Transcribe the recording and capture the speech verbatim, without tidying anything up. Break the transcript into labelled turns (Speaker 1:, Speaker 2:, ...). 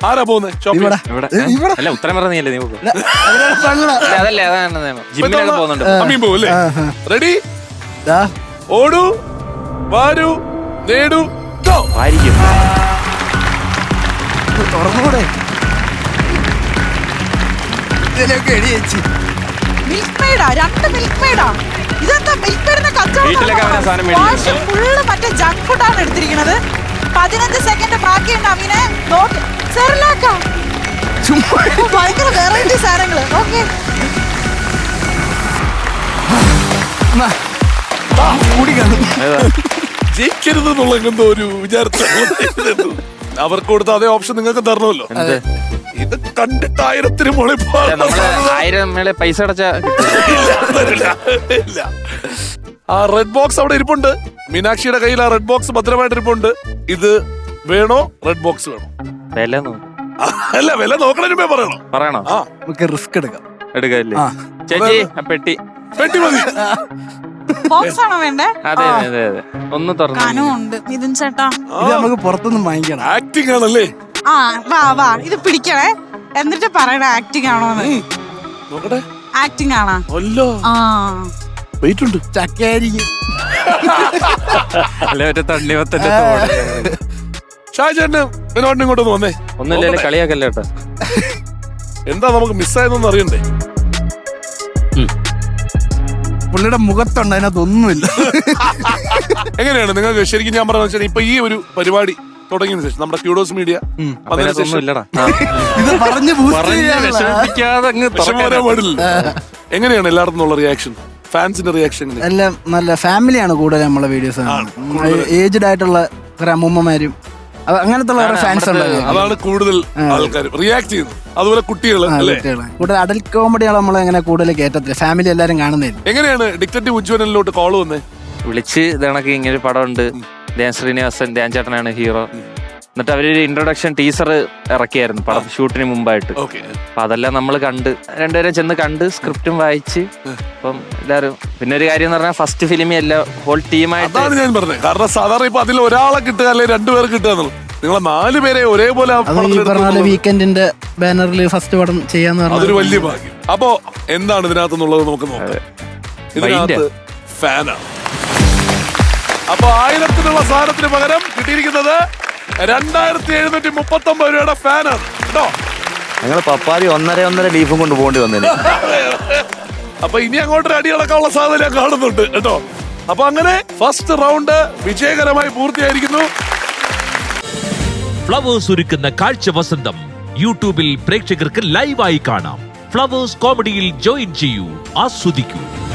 Speaker 1: ആരാ പോകുന്നത്?
Speaker 2: അല്ല ഉത്തരം പറഞ്ഞല്ലേ നീ അതല്ലേ അതാണ് ജിമ്മിലൊക്കെ പോകുന്നുണ്ട്.
Speaker 1: അമ്മയും പോകും അല്ലേ? റെഡി? ഓടൂ വാരൂ നേടൂ
Speaker 2: ആയിരിക്കും.
Speaker 3: തുറന്നുകൂടെ
Speaker 4: മിൽക്ക് മെയ്ഡാ, രണ്ട് മിൽക്ക് മെയ്ഡാ. ഇതെന്താ മിൽക്ക് മെയ്ഡിന്റെ
Speaker 2: വീട്ടിലൊക്കെ അവനെ സാധനം
Speaker 4: കച്ചവടം? ഫുള്ള് മറ്റേ ജങ്ക് ഫുഡാണ് എടുത്തിരിക്കുന്നത്. പതിനഞ്ച് സെക്കൻഡ് ബാക്കിയുണ്ട് അമീനെ. സെറിലാക്ക ഭയങ്കര വെറൈറ്റി സാധനങ്ങള്. ഓക്കെ
Speaker 1: ജയിക്കരുത് എന്നുള്ള എന്തോ ഒരു വിചാരത്തിൽ അവർക്ക് കൊടുത്ത അതേ ഓപ്ഷൻ നിങ്ങൾക്ക് തരണമല്ലോ. ഇത് കണ്ടിട്ട് ആയിരത്തിന് മുകളിൽ
Speaker 2: ആയിരം മേലെ പൈസ അടച്ച
Speaker 1: ഇല്ല. ആ റെഡ് ബോക്സ് അവിടെ ഇരിപ്പുണ്ട്. മീനാക്ഷിയുടെ കയ്യിൽ ആ റെഡ് ബോക്സ് ഭദ്രമായിട്ട് ഇരിപ്പുണ്ട്. ഇത് വേണോ? റെഡ് ബോക്സ് വേണോ?
Speaker 2: വില
Speaker 1: അല്ല, വില നോക്കണേ പറയണോ?
Speaker 2: പറയണോ?
Speaker 3: ആ നമുക്ക് റിസ്ക് എടുക്കാം.
Speaker 2: എടുക്കല്ലേ ചേച്ചി? പെട്ടി
Speaker 1: പെട്ടി മതി.
Speaker 4: ബോക്സ് ആണോ വേണ്ടേ?
Speaker 2: അതെ അതെ അതെ. ഒന്ന്
Speaker 4: തുറന്നുണ്ട് മിഥുൻ ചേട്ടാ.
Speaker 3: ഇത് നമുക്ക് പുറത്തുനിന്ന് വാങ്ങിക്കണം.
Speaker 1: ആക്ടിങ് ആണല്ലേ?
Speaker 4: ആ വാ വാ ഇത് പിടിക്കണേ, എന്നിട്ട് പറയണ ആക്ടിങ് ആണോന്ന്.
Speaker 1: നോക്കട്ടെ.
Speaker 4: ആക്ടിങ് ആണോ?
Speaker 1: അല്ലോ.
Speaker 4: ആ
Speaker 1: വെയിറ്റ് ഉണ്ട്.
Speaker 3: ചക്കയായിരിക്കും.
Speaker 2: അല്ലെ ഒരു തണ്ണിമത്തന്റെ
Speaker 1: ഷാജേട്ടന് എന്നോട് ഇങ്ങോട്ടൊന്ന് വന്നേ.
Speaker 2: ഒന്നുമില്ല കളിയാക്കല്ലേ കേട്ടോ.
Speaker 1: എന്താ നമുക്ക് മിസ്സായതെന്ന് അറിയണ്ടേ?
Speaker 3: പുള്ളിയുടെ മുഖത്തുണ്ട്, അതിനകത്തൊന്നുമില്ല.
Speaker 1: എങ്ങനെയാണ് നിങ്ങൾക്ക് ശരിക്കും ഞാൻ പറഞ്ഞ ഇപ്പൊ ഈ ഒരു പരിപാടി തുടങ്ങിയതിനു ശേഷം നമ്മുടെ ക്യൂഡോസ് മീഡിയ
Speaker 3: ഇത് പറഞ്ഞു
Speaker 1: എങ്ങനെയാണ് എല്ലായിടത്തും ഉള്ള റിയാക്ഷൻ, ഫാൻസിന്റെ റിയാക്ഷൻ?
Speaker 3: എല്ലാം നല്ല ഫാമിലിയാണ് കൂടുതൽ നമ്മളെ വീഡിയോസ്. ഏജ്ഡ് ആയിട്ടുള്ള കുറെ അമ്മൂമ്മമാരും അങ്ങനത്തെ ഫാൻസ് ഉണ്ട്.
Speaker 1: അതാണ് കൂടുതൽ ആൾക്കാർ റിയാക്ട് ചെയ്യുന്നത്. അതുപോലെ കുട്ടികൾ
Speaker 3: കൂടുതൽ അഡൽട്ട് കോമഡിയാണ് നമ്മൾ അങ്ങനെ കൂടുതൽ കേട്ടത്തില്ല. ഫാമിലി എല്ലാരും കാണുന്നില്ല.
Speaker 1: എങ്ങനെയാണ് ഡിറ്റക്റ്റീവ് ഉജ്ജ്വലനിലോട്ട് കോള് വന്നേ?
Speaker 2: വിളിച്ച് ഇതണക്ക് ഇങ്ങനെ പടം ഉണ്ട്, ധ്യാൻ ശ്രീനിവാസൻ ധ്യാൻ ചേട്ടനാണ് ഹീറോ. എന്നിട്ട് അവരൊരു ഇൻട്രൊഡക്ഷൻ ടീസർ ഇറക്കിയായിരുന്നു പടം ഷൂട്ടിന് മുമ്പായിട്ട്. അപ്പൊ അതെല്ലാം നമ്മൾ കണ്ട് രണ്ടുപേരെ ചെന്ന് കണ്ട് സ്ക്രിപ്റ്റും വായിച്ച് അപ്പം എല്ലാരും. പിന്നെ ഒരു കാര്യം എന്ന് പറഞ്ഞാൽ ഫസ്റ്റ് ഫിലിമി എല്ലാം ഹോൾ ടീമായിട്ട്
Speaker 1: ഞാൻ പറഞ്ഞത്. കാരണം സാധാരണ ഇപ്പൊ അതിൽ ഒരാളെ കിട്ടുക അല്ലെങ്കിൽ രണ്ടുപേർ കിട്ടുക എന്നുള്ളത്, നിങ്ങളെ നാല് പേരെ ഒരേപോലെ
Speaker 3: വീക്കെൻഡിന്റെ ബാനറിൽ ഫസ്റ്റ് പടം ചെയ്യാന്ന് പറഞ്ഞാൽ
Speaker 1: അതൊരു വലിയ ഭാഗ്യം. അപ്പോ എന്താണ് ഇതിനകത്തുള്ളത് നമുക്ക് നോക്കാം. ഇതിനകത്ത് ഫാനാണ്. അപ്പൊ ആയിരത്തിനുള്ള സാധനത്തിന് പകരം കിട്ടിയിരിക്കുന്നത് രണ്ടായിരത്തി എഴുന്നൂറ്റി മുപ്പത്തി ഒമ്പത് രൂപയുടെ ഫാനാണ് കേട്ടോ.
Speaker 5: ഞങ്ങൾ പപ്പാരി ഒന്നര ഒന്നര ലീഫും കൊണ്ട് പോകേണ്ടി വന്നേ.
Speaker 1: അപ്പൊ ഇനി അങ്ങോട്ടൊരു അടിയടക്കമുള്ള സാധ്യത കാണുന്നുണ്ട് കേട്ടോ. അപ്പൊ അങ്ങനെ ഫസ്റ്റ് റൗണ്ട് വിജയകരമായി പൂർത്തിയായിരിക്കുന്നു.
Speaker 6: ഫ്ലവേഴ്സ് ഒരുക്കുന്ന കാഴ്ച വസന്തം യൂട്യൂബിൽ പ്രേക്ഷകർക്ക് ലൈവായി കാണാം. ഫ്ലവേഴ്സ് കോമഡിയിൽ ജോയിൻ ചെയ്യൂ, ആസ്വദിക്കൂ.